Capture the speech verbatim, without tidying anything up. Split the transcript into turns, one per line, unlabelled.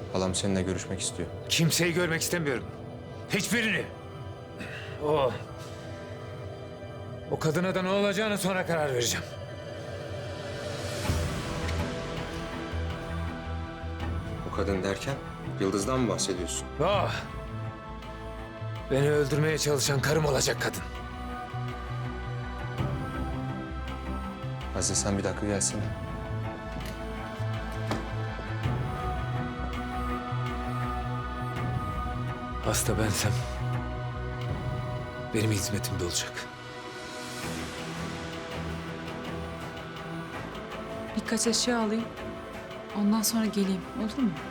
Halam seninle görüşmek istiyor.
Kimseyi görmek istemiyorum. Hiçbirini. O... O kadına da ne olacağını sonra karar vereceğim.
O kadın derken Yıldız'dan mı bahsediyorsun?
O... Beni öldürmeye çalışan karım olacak kadın.
Aziz sen bir dakika gelsene.
Hasta bensem... benim hizmetimde olacak.
Birkaç eşya alayım. Ondan sonra geleyim. Olur mu?